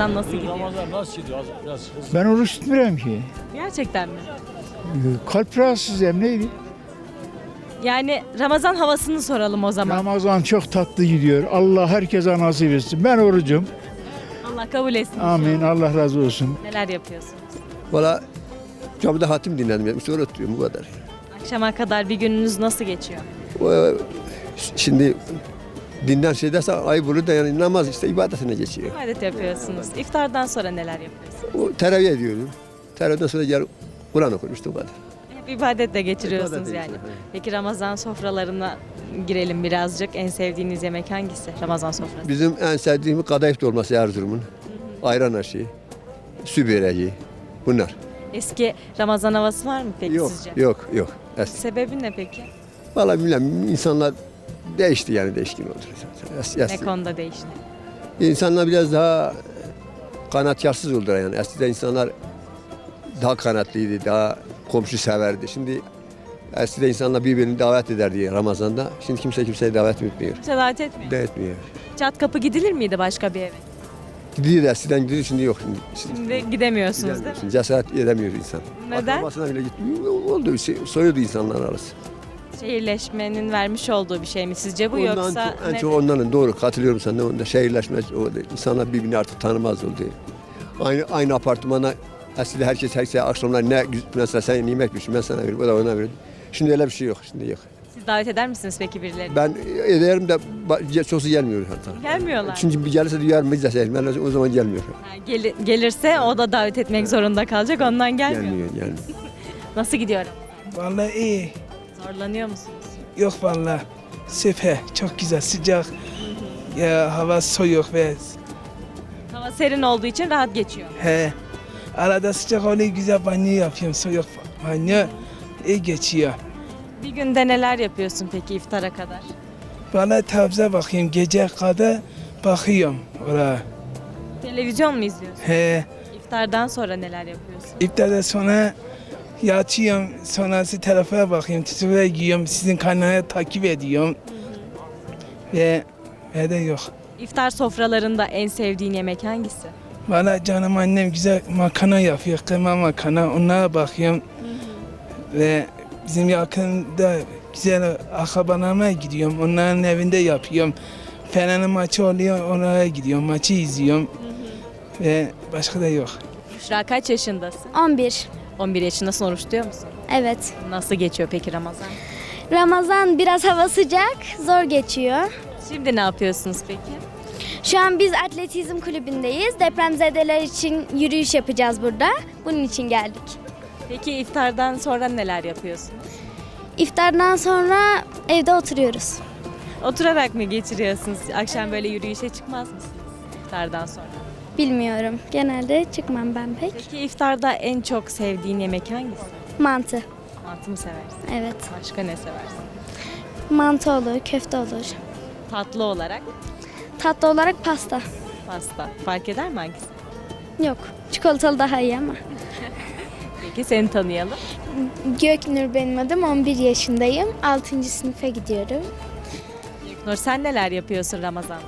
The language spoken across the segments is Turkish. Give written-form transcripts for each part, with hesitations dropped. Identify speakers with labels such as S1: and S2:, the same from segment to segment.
S1: Ramazan nasıl gidiyor?
S2: Ramazan nasıl gidiyor? Biraz hızlı.
S3: Ben oruç tutmuyorum ki.
S1: Gerçekten mi?
S3: Kalp rahatsızım neydi?
S1: Yani Ramazan havasını soralım o zaman.
S3: Ramazan çok tatlı gidiyor. Allah herkese nasip etsin. Ben orucum.
S1: Allah kabul etsin.
S3: Amin. Allah razı olsun.
S1: Neler yapıyorsunuz?
S4: Valla camide hatim dinledim. İşte öyle oturuyorum bu kadar.
S1: Akşama kadar bir gününüz nasıl geçiyor?
S4: Şimdi dinden şey dersen ayıp olur da yani namaz işte ibadetine geçiyor.
S1: İbadet yapıyorsunuz. İftardan sonra neler yapıyorsunuz?
S4: O teravih ediyorum. Teravihden sonra gel Kur'an okuyorum işte bu kadar.
S1: Hep ibadetle geçiriyorsunuz
S4: İbadetle
S1: yani.
S4: geçiyorum, evet.
S1: Peki Ramazan sofralarına girelim birazcık. En sevdiğiniz yemek hangisi? Ramazan sofrası.
S4: Bizim en sevdiğimiz kadayıf dolması Erzurum'un. Ayran aşı, su böreği bunlar.
S1: Eski Ramazan havası var mı peki
S4: Yok,
S1: sizce?
S4: yok. Eski.
S1: Sebebi ne peki?
S4: Valla bilmem insanlar değişti yani değişkin oldu.
S1: Ne konuda değişti?
S4: İnsanlar biraz daha kanatyarsız oldular yani. Eskiden insanlar daha kanatlıydı, daha komşu severdi. Şimdi eskiden insanlar birbirini davet ederdi Ramazan'da. Şimdi kimse kimseyi davet etmiyor.
S1: Kimse davet etmiyor.
S4: De etmiyor.
S1: Çat kapı gidilir miydi başka bir eve?
S4: Gidiyor eskiden gidiyor şimdi yok.
S1: Şimdi gidemiyorsunuz değil mi?
S4: Cesaret edemiyor insan.
S1: Neden?
S4: Akrabasına bile gitmiyor. Oldu soyuyordu insanlar arası.
S1: Şehirleşmenin vermiş olduğu bir şey mi sizce bu yoksa
S4: En
S1: ne?
S4: çok onların doğru katılıyorum sana. Onda şehirleşme insanlar birbirini artık tanımaz oldu. Aynı apartmana eskiden herkes akşamlar ne mesela sen yemek pişir ben sana veririm o da ona verir. Şimdi öyle bir şey yok. Şimdi yok.
S1: Siz davet eder misiniz peki birilerini?
S4: Ben ederim de çoğusu gelmiyor hatta.
S1: Gelmiyorlar.
S4: Çünkü bir gelirse duyar mı izleselim. Ben o zaman gelmiyor.
S1: Ha, gelirse o da davet etmek zorunda kalacak ondan gelmiyor.
S4: Gelmiyor.
S1: Nasıl gidiyor?
S5: Vallahi iyi.
S1: Zorlanıyor musunuz?
S5: Yok vallahi. Süper. Çok güzel. Sıcak. Ya hava soğuk ve
S1: Hava serin olduğu için rahat geçiyor.
S5: he. Arada sıcak oluyor güzel banyo yapıyorum. Soğuk banyo. İyi geçiyor.
S1: Bir günde neler yapıyorsun peki iftara kadar?
S5: Vallahi televizyon bakayım. Gece kadar bakıyorum oraya.
S1: Televizyon mu izliyorsun?
S5: He.
S1: İftardan sonra neler yapıyorsun?
S5: İftardan sonra yatıyorum. Sonrası telefona bakıyorum. Tütüve giyiyorum. Sizin kanalı takip ediyorum. Ve de yok.
S1: İftar sofralarında en sevdiğin yemek hangisi?
S5: Valla canım annem güzel makarna yapıyor, kıyma makarna. Onlara bakıyorum. Ve bizim yakında güzel akrabalarıma gidiyorum. Onların evinde yapıyorum. Fener'in maçı oluyor, oraya gidiyorum. Maçı izliyorum. Ve başka da yok.
S1: Büşra kaç yaşındasın?
S6: 11.
S1: 11 yaşındasın, oruç tutuyor musun?
S6: Evet.
S1: Nasıl geçiyor peki Ramazan?
S6: Ramazan biraz hava sıcak, zor geçiyor.
S1: Şimdi ne yapıyorsunuz peki?
S6: Şu an biz atletizm kulübündeyiz. Depremzedeler için yürüyüş yapacağız burada. Bunun için geldik.
S1: Peki iftardan sonra neler yapıyorsunuz?
S6: İftardan sonra evde oturuyoruz.
S1: Oturarak mı geçiriyorsunuz? Akşam böyle yürüyüşe çıkmaz mısınız iftardan sonra?
S6: Bilmiyorum. Genelde çıkmam ben pek.
S1: Peki iftarda en çok sevdiğin yemek hangisi?
S6: Mantı.
S1: Mantı mı seversin?
S6: Evet.
S1: Başka ne seversin?
S6: Mantı olur, köfte olur.
S1: Tatlı olarak
S6: Tatlı olarak pasta.
S1: pasta. Fark eder mi hangisi?
S6: Yok. Çikolatalı daha iyi ama.
S1: Peki seni tanıyalım.
S6: Göknur benim adım. 11 yaşındayım. 6. sınıfa gidiyorum.
S1: Nur sen neler yapıyorsun Ramazan'da?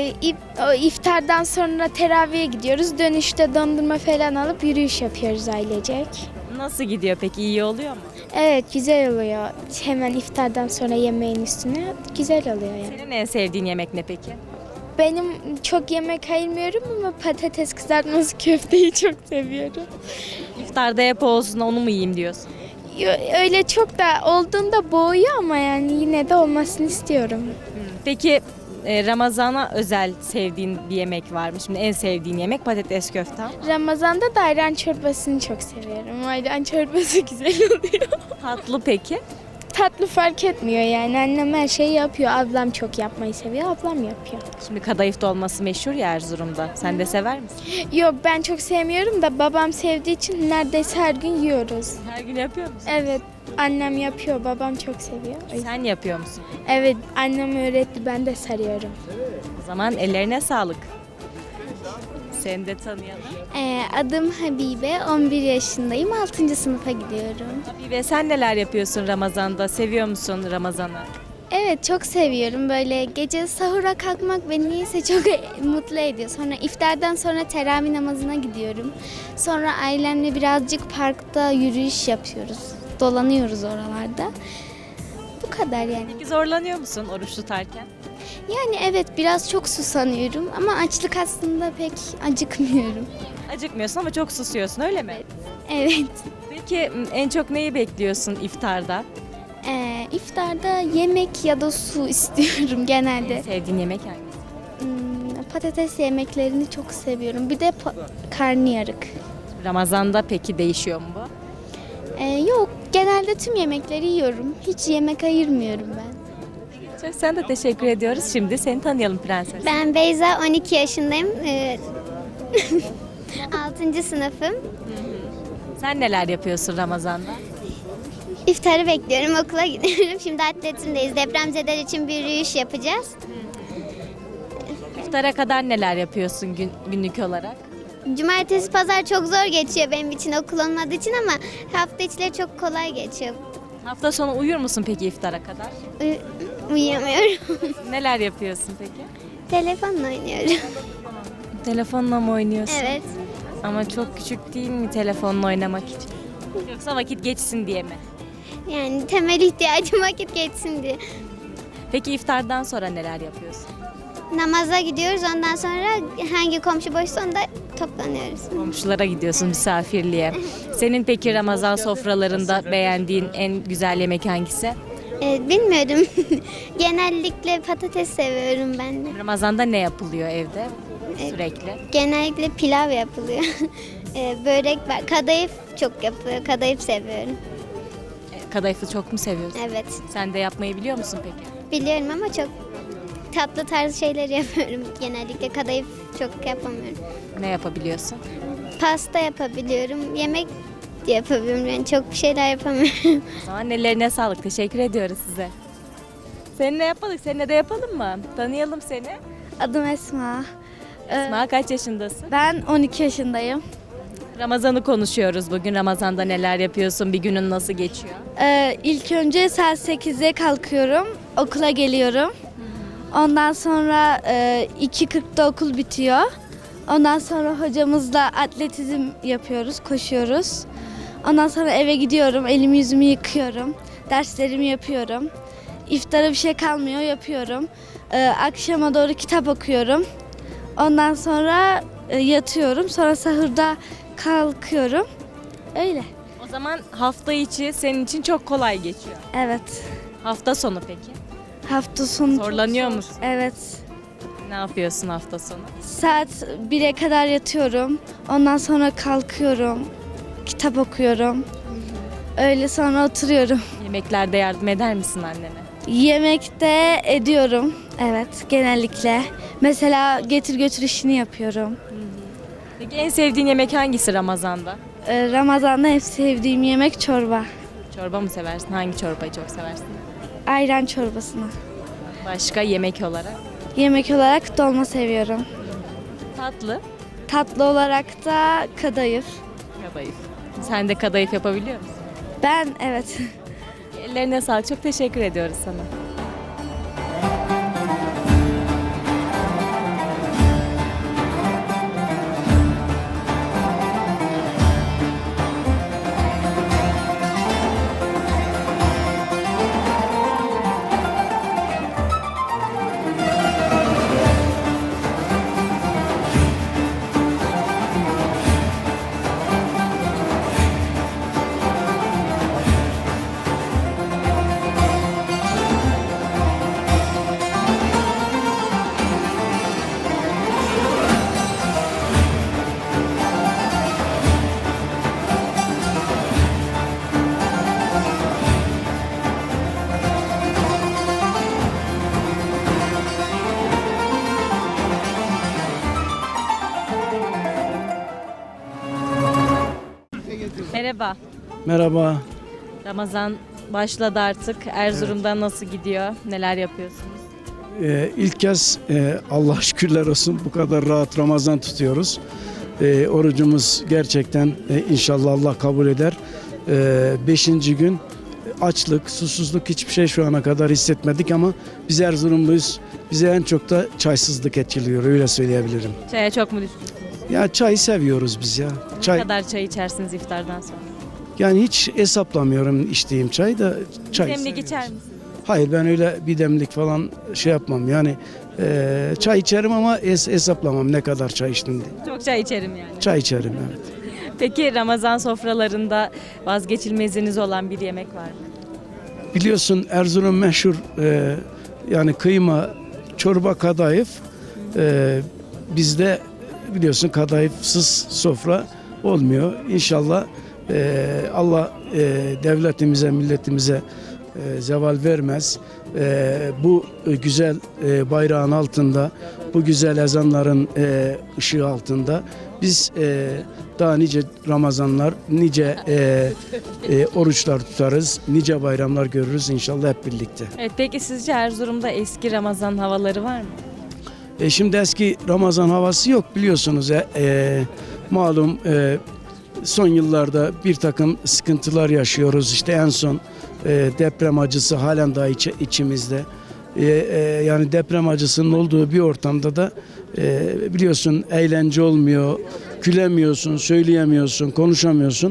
S6: İftardan sonra teraviye gidiyoruz. Dönüşte dondurma falan alıp yürüyüş yapıyoruz ailecek.
S1: Nasıl gidiyor peki? İyi oluyor mu?
S6: Evet güzel oluyor. Hemen iftardan sonra yemeğin üstüne güzel oluyor yani.
S1: Senin en sevdiğin yemek ne peki?
S6: Benim çok yemek ayırmıyorum ama patates kızartması köfteyi çok seviyorum.
S1: İftarda hep olsun onu mu yiyeyim diyorsun?
S6: Öyle çok da olduğunda boğuyor ama yani yine de olmasını istiyorum.
S1: Peki Ramazan'a özel sevdiğin bir yemek var mı? Şimdi en sevdiğin yemek patates köfte.
S6: Ramazan'da da ayran çorbasını çok seviyorum. Ayran çorbası güzel oluyor.
S1: Tatlı peki?
S6: Tatlı fark etmiyor yani. Annem her şeyi yapıyor. Ablam çok yapmayı seviyor. Ablam yapıyor.
S1: Şimdi kadayıf dolması meşhur ya Erzurum'da. Sen de sever misin?
S6: Yok ben çok sevmiyorum da babam sevdiği için neredeyse her gün yiyoruz.
S1: Her gün yapıyor musun?
S6: Evet annem yapıyor. Babam çok seviyor.
S1: Sen yapıyor musun?
S6: Evet annem öğretti. Ben de sarıyorum.
S1: O zaman ellerine sağlık. Seni de tanıyalım.
S6: Adım Habibe. 11 yaşındayım. 6. sınıfa gidiyorum.
S1: Ve sen neler yapıyorsun Ramazan'da? Seviyor musun Ramazan'ı?
S6: Evet, çok seviyorum. Böyle gece sahura kalkmak beni niyeyse çok mutlu ediyor. Sonra iftardan sonra teravih namazına gidiyorum. Sonra ailemle birazcık parkta yürüyüş yapıyoruz. Dolanıyoruz oralarda. Bu kadar yani.
S1: Peki zorlanıyor musun oruç tutarken?
S6: Yani evet, biraz çok susanıyorum ama açlık aslında pek acıkmıyorum.
S1: Acıkmıyorsun ama çok susuyorsun, öyle mi?
S6: Evet.
S1: Peki en çok neyi bekliyorsun iftarda?
S6: İftarda yemek ya da su istiyorum genelde.
S1: Sevdiğin yemek hangisi?
S6: Patates yemeklerini çok seviyorum. Bir de karnıyarık.
S1: Ramazan'da peki değişiyor mu bu?
S6: Yok, genelde tüm yemekleri yiyorum. Hiç yemek ayırmıyorum ben.
S1: Çok sen de teşekkür ediyoruz. Şimdi seni tanıyalım prenses.
S7: Ben Beyza, 12 yaşındayım. 6. sınıfım.
S1: Sen neler yapıyorsun Ramazan'da?
S7: İftarı bekliyorum, okula gidiyorum. Şimdi atletimdeyiz. Depremzedeler için bir yürüyüş yapacağız.
S1: İftara kadar neler yapıyorsun günlük olarak?
S7: Cumartesi, pazar çok zor geçiyor benim için okul olmadığı için ama hafta içleri çok kolay geçiyor.
S1: Hafta sonu uyur musun peki iftara kadar?
S7: Uyuyamıyorum.
S1: Neler yapıyorsun peki?
S7: Telefonla oynuyorum.
S1: Telefonla mı oynuyorsun?
S7: Evet.
S1: Ama çok küçük değil mi telefonla oynamak için? Yoksa vakit geçsin diye mi?
S7: Yani temel ihtiyacım vakit geçsin diye.
S1: Peki iftardan sonra neler yapıyorsun?
S7: Namaza gidiyoruz. Ondan sonra hangi komşu boşsa onda toplanıyoruz.
S1: Komşulara gidiyorsun misafirliğe. Senin peki Ramazan sofralarında beğendiğin en güzel yemek hangisi?
S7: Bilmiyorum. Genellikle patates seviyorum ben de.
S1: Ramazan'da ne yapılıyor evde sürekli?
S7: Genellikle pilav yapılıyor. Börek var. Kadayıf çok yapılıyor. Kadayıf seviyorum.
S1: Kadayıfı çok mu seviyorsun?
S7: Evet.
S1: Sen de yapmayı biliyor musun peki?
S7: Biliyorum ama çok tatlı tarzı şeyler yapıyorum. Genellikle kadayıf çok yapamıyorum.
S1: Ne yapabiliyorsun?
S7: Pasta yapabiliyorum. Yemek de yapabiliyorum. Yani çok bir şeyler yapamıyorum.
S1: O zaman ellerine sağlık. Teşekkür ediyoruz size. Seninle yapmadık. Seninle de yapalım mı? Tanıyalım seni.
S8: Adım Esma.
S1: Esma kaç yaşındasın?
S8: Ben 12 yaşındayım.
S1: Ramazan'ı konuşuyoruz bugün. Ramazan'da neler yapıyorsun? Bir günün nasıl geçiyor?
S8: İlk önce saat 8'de kalkıyorum. Okula geliyorum. Ondan sonra 2.40'da okul bitiyor. Ondan sonra hocamızla atletizm yapıyoruz, koşuyoruz. Ondan sonra eve gidiyorum, elimi yüzümü yıkıyorum. Derslerimi yapıyorum. İftara bir şey kalmıyor, yapıyorum. Akşama doğru kitap okuyorum. Ondan sonra yatıyorum. Sonra sahurda kalkıyorum. Öyle.
S1: O zaman hafta içi senin için çok kolay geçiyor.
S8: Evet.
S1: Hafta sonu peki?
S8: Hafta sonu.
S1: Zorlanıyor musun?
S8: Evet.
S1: Ne yapıyorsun hafta sonu?
S8: Saat 1'e kadar yatıyorum. Ondan sonra kalkıyorum. Kitap okuyorum. Öyle sonra oturuyorum.
S1: Yemeklerde yardım eder misin annene?
S8: Yemekte ediyorum. Evet, genellikle. Mesela getir götür işini yapıyorum.
S1: Peki en sevdiğin yemek hangisi Ramazan'da?
S8: Ramazan'da en sevdiğim yemek çorba.
S1: Çorba mı seversin? Hangi çorbayı çok seversin?
S8: Ayran çorbasını.
S1: Başka yemek olarak?
S8: Yemek olarak dolma seviyorum.
S1: Tatlı.
S8: Tatlı olarak da kadayıf.
S1: Kadayıf. Sen de kadayıf yapabiliyor musun?
S8: Ben evet.
S1: Ellerine sağlık. Çok teşekkür ediyoruz sana. Merhaba.
S3: Merhaba.
S1: Ramazan başladı artık. Erzurum'da nasıl gidiyor? Neler yapıyorsunuz?
S3: İlk kez Allah şükürler olsun bu kadar rahat Ramazan tutuyoruz. Orucumuz gerçekten inşallah Allah kabul eder. 5. gün açlık, susuzluk hiçbir şey şu ana kadar hissetmedik ama biz Erzurumluyuz. Bize en çok da çaysızlık etkiliyor, öyle söyleyebilirim.
S1: Çaya çok mu düşkünsünüz?
S3: Ya çayı seviyoruz biz ya.
S1: Ne
S3: Çay,
S1: kadar çay içersiniz iftardan sonra?
S3: yani hiç hesaplamıyorum içtiğim çayı da çay
S1: Demlik
S3: seviyoruz.
S1: içer misiniz?
S3: Hayır, ben öyle bir demlik falan şey yapmam. Yani çay içerim ama hesaplamam ne kadar çay içtim diye.
S1: Çok çay içerim yani.
S3: Çay içerim, evet.
S1: Peki Ramazan sofralarında vazgeçilmeziniz olan bir yemek var mı?
S3: Biliyorsun Erzurum meşhur yani kıyma, çorba, kadayıf. Bizde biliyorsun kadayıfsız sofra olmuyor. İnşallah Allah devletimize, milletimize zeval vermez. Bu güzel bayrağın altında, bu güzel ezanların ışığı altında biz daha nice Ramazanlar, nice oruçlar tutarız, nice bayramlar görürüz inşallah hep birlikte.
S1: Evet, peki sizce Erzurum'da eski Ramazan havaları var mı?
S3: Şimdi eski Ramazan havası yok biliyorsunuz. Malum son yıllarda bir takım sıkıntılar yaşıyoruz. İşte en son deprem acısı halen daha içimizde. Yani deprem acısının olduğu bir ortamda da biliyorsun eğlence olmuyor, gülemiyorsun, söyleyemiyorsun, konuşamıyorsun.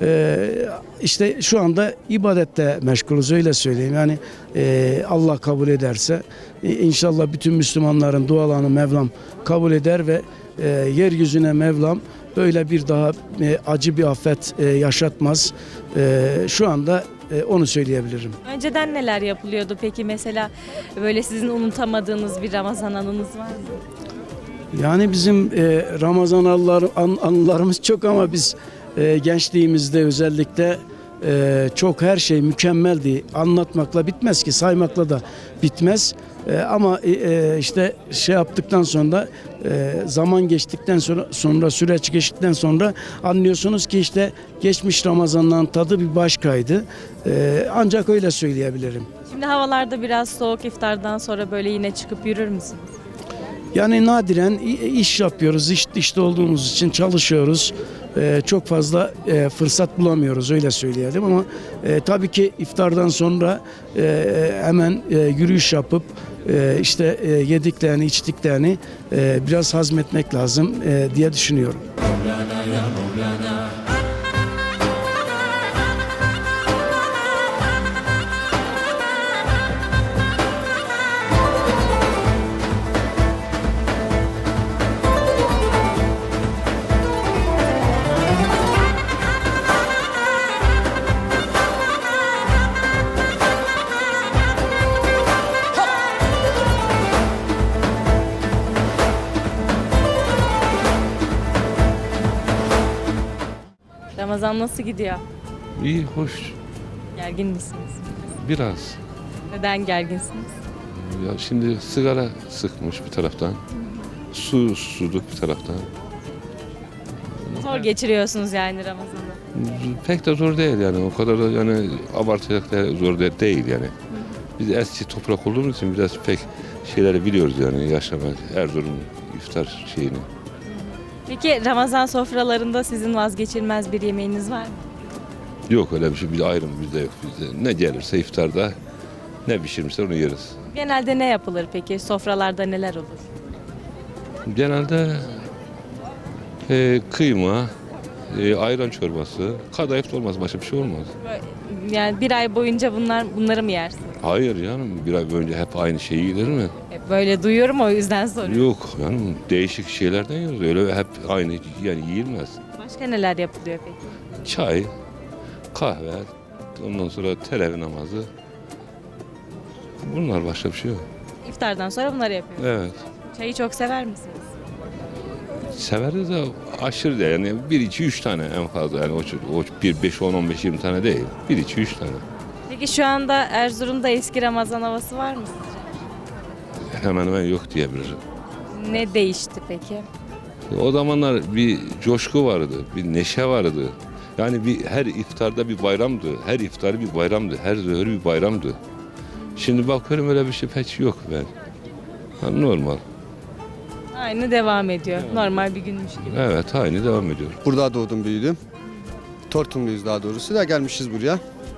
S3: İşte şu anda ibadette meşgulüz, öyle söyleyeyim. Yani Allah kabul ederse inşallah bütün Müslümanların dualarını Mevlam kabul eder ve yeryüzüne Mevlam böyle bir daha acı bir afet yaşatmaz. Şu anda onu söyleyebilirim.
S1: Önceden neler yapılıyordu peki, mesela böyle sizin unutamadığınız bir Ramazan anınız var mı?
S3: Yani bizim Ramazan anılarımız çok ama biz gençliğimizde özellikle çok her şey mükemmeldi. Anlatmakla bitmez ki, saymakla da bitmez. Ama işte şey yaptıktan sonra zaman geçtikten sonra süreç geçtikten sonra anlıyorsunuz ki işte geçmiş Ramazan'dan tadı bir başkaydı. Ancak öyle söyleyebilirim.
S1: Şimdi havalarda biraz soğuk, iftardan sonra böyle yine çıkıp yürür müsünüz?
S3: Yani nadiren iş yapıyoruz, işte olduğumuz için çalışıyoruz. Çok fazla fırsat bulamıyoruz, öyle söyleyelim ama tabii ki iftardan sonra hemen yürüyüş yapıp işte yediklerini, içtiklerini biraz hazmetmek lazım diye düşünüyorum.
S1: Ramazan nasıl gidiyor?
S9: İyi, hoş.
S1: Gergin misiniz?
S9: Biraz.
S1: Neden gerginsiniz?
S9: Ya şimdi sigara sıkmış bir taraftan. Susuzluk bir taraftan.
S1: Zor geçiriyorsunuz yani Ramazan'ı.
S9: Pek de zor değil yani. O kadar da yani abartacak da zor değil yani. Biz eski toprak olduğumuz için biraz pek şeyleri biliyoruz yani yaşamak. Erzurum iftar şeyini.
S1: Peki Ramazan sofralarında sizin vazgeçilmez bir yemeğiniz var mı?
S9: Yok öyle bir şey. Bir ayrım bizde yok. Bizde ne gelirse iftarda ne pişirmişler onu yeriz.
S1: Genelde ne yapılır peki? Sofralarda neler olur?
S9: Genelde kıyma, ayran çorbası, kadayıf da olmaz, başka bir şey olmaz.
S1: Yani bir ay boyunca bunları mı yersiniz?
S9: Hayır canım, bir ay önce hep aynı şeyi yenir mi?
S1: Hep böyle duyuyorum, o yüzden soruyorum.
S9: Yok canım, değişik şeylerden yiyoruz. Öyle hep aynı yani yiyilmez.
S1: Başka neler yapılıyor peki?
S9: Çay, kahve, ondan sonra teravih namazı. Bunlar, başka bir şey yok.
S1: İftardan sonra bunları yapıyorsunuz.
S9: Evet.
S1: Çayı çok sever misiniz?
S9: Severiz de aşırı değil. Yani 1, 2, 3 tane en fazla. Yani o 1, 5, 10, 15, 20 tane değil. 1, 2, 3 tane.
S1: Peki şu anda Erzurum'da eski Ramazan havası var mı sizce?
S9: Hemen hemen yok diyebilirim.
S1: Ne değişti peki?
S9: O zamanlar bir coşku vardı, bir neşe vardı. Yani her iftarda bir bayramdı, her iftarı bir bayramdı, her zöhür bir bayramdı. Şimdi bakıyorum öyle bir şey pek yok ben. Yani normal.
S1: Aynı devam ediyor. Normal bir günmüş gibi.
S9: Evet, aynı devam ediyor.
S10: Burada doğdum, büyüdüm. Tortumluyuz daha doğrusu da gelmişiz buraya.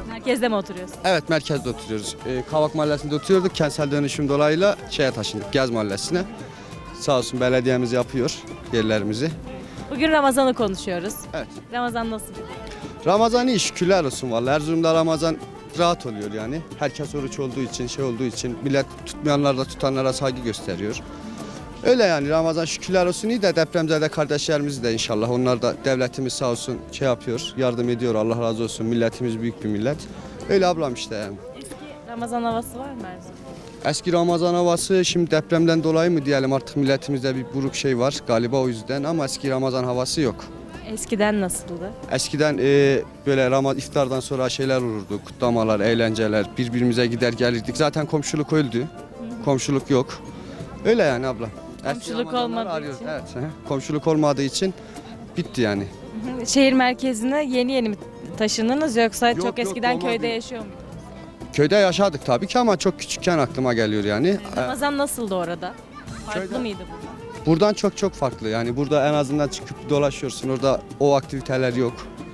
S1: Merkezde mi oturuyorsun?
S10: Evet, merkezde oturuyoruz. Kavak Mahallesi'nde oturuyorduk. Kentsel dönüşüm dolayıyla şeye taşındık, Gez Mahallesi'ne. Sağ olsun belediyemiz yapıyor yerlerimizi.
S1: Bugün Ramazan'ı konuşuyoruz.
S10: Evet.
S1: Ramazan nasıl gidiyor?
S10: Ramazan iyi, şükürler olsun vallahi. Erzurum'da Ramazan rahat oluyor yani. Herkes oruç olduğu için, şey olduğu için millet tutmayanlar da tutanlara saygı gösteriyor. Öyle yani Ramazan şükürler olsun iyi de depremzede kardeşlerimiz de inşallah onlar da devletimiz sağ olsun şey yapıyor, yardım ediyor Allah razı olsun. Milletimiz büyük bir millet. Öyle ablam işte yani.
S1: Eski Ramazan havası var mı Erzurum'da?
S10: Eski Ramazan havası şimdi depremden dolayı mı diyelim artık milletimizde bir buruk şey var galiba o yüzden ama eski Ramazan havası yok.
S1: Eskiden nasıldı?
S10: Eskiden böyle iftardan sonra şeyler olurdu, kutlamalar, eğlenceler, birbirimize gider gelirdik. Zaten komşuluk öldü, komşuluk yok. Öyle yani abla. Eski
S1: Komşuluk
S10: Ramazanları
S1: olmadığı
S10: arıyoruz.
S1: için.
S10: Evet, komşuluk olmadığı için bitti yani.
S1: Şehir merkezine yeni mi taşındınız yoksa
S10: Yok,
S1: çok
S10: yok,
S1: eskiden
S10: olmadı.
S1: köyde yaşıyor muydunuz?
S10: Köyde yaşadık tabii ki ama çok küçükken aklıma geliyor yani.
S1: Ramazan nasıldı orada? Farklı
S10: Köyde-
S1: mıydı burada?
S10: Buradan çok farklı yani burada en azından çıkıp dolaşıyorsun orada o aktiviteler yok.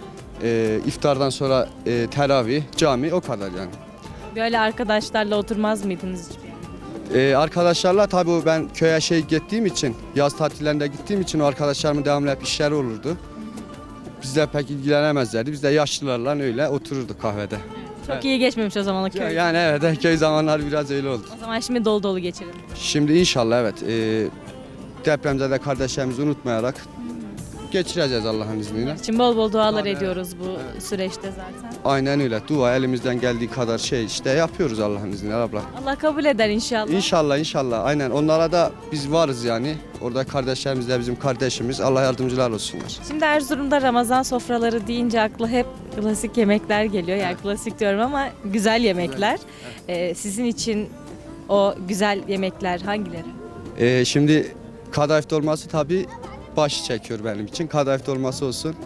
S10: İftardan sonra teravih, cami o kadar yani.
S1: Böyle arkadaşlarla oturmaz mıydınız hiç?
S10: Arkadaşlarla tabii ben köye gittiğim için yaz tatillerinde gittiğim için o arkadaşlarımın devamlı hep işleri olurdu. Bizle pek ilgilenemezlerdi. Biz de yaşlılarla öyle otururduk kahvede.
S1: Çok iyi geçmemiş o zaman o köy.
S10: Yani evet köy zamanları biraz öyle oldu.
S1: O zaman şimdi dolu dolu geçirelim.
S10: Şimdi inşallah evet depremzede kardeşlerimizi unutmayarak geçireceğiz Allah'ın izniyle.
S1: Şimdi bol bol dualar
S10: Tabii,
S1: ediyoruz bu süreçte zaten.
S10: Aynen öyle. Dua elimizden geldiği kadar işte yapıyoruz Allah'ın izniyle abla.
S1: Allah kabul eder inşallah.
S10: İnşallah aynen. Onlara da biz varız yani. Orada kardeşlerimiz de bizim kardeşimiz. Allah yardımcılar olsunlar.
S1: Şimdi Erzurum'da Ramazan sofraları deyince akla hep klasik yemekler geliyor. Yani klasik diyorum ama güzel yemekler. Sizin için o güzel yemekler hangileri?
S10: Şimdi kadayıf dolması tabii baş çekiyor benim için. Kadayıf dolması olsun.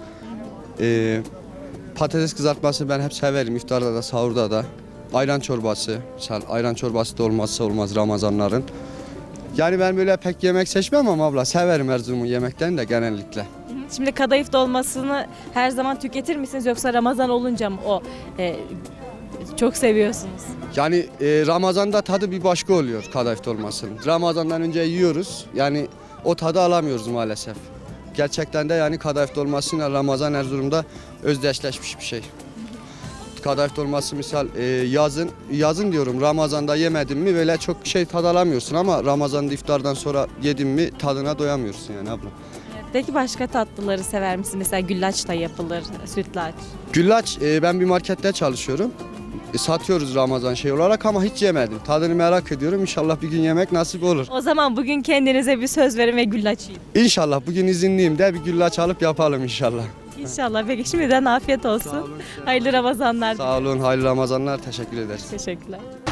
S10: Patates kızartması ben hep severim. İftarda da sahurda da. Ayran çorbası. Mesela ayran çorbası da olmazsa olmaz Ramazanların. Yani ben böyle pek yemek seçmem ama abla severim Erzurum'un yemeklerini de genellikle.
S1: Şimdi kadayıf dolmasını her zaman tüketir misiniz yoksa Ramazan olunca mı çok seviyorsunuz?
S10: Yani Ramazan'da tadı bir başka oluyor kadayıf dolmasının. Ramazan'dan önce yiyoruz. Yani o tadı alamıyoruz maalesef. Gerçekten de yani kadayıf dolmasıyla Ramazan Erzurum'da özdeşleşmiş bir şey. Kadayıf dolması misal yazın diyorum Ramazan'da yemedin mi böyle çok tadı alamıyorsun ama Ramazan'da iftardan sonra yedin mi tadına doyamıyorsun yani abla.
S1: Peki başka tatlıları sever misiniz? Mesela güllaç da yapılır, sütlaç.
S10: Güllaç ben bir markette çalışıyorum. Satıyoruz Ramazan olarak ama hiç yemedim. Tadını merak ediyorum. İnşallah bir gün yemek nasip olur.
S1: O zaman bugün kendinize bir söz verin ve güllaç yiyin.
S10: İnşallah bugün izinliyim de bir güllaç alıp yapalım inşallah.
S1: İnşallah. Peki şimdiden afiyet olsun. Hayırlı Ramazanlar.
S10: Sağ olun, hayırlı Ramazanlar. Teşekkür ederiz.
S1: Teşekkürler.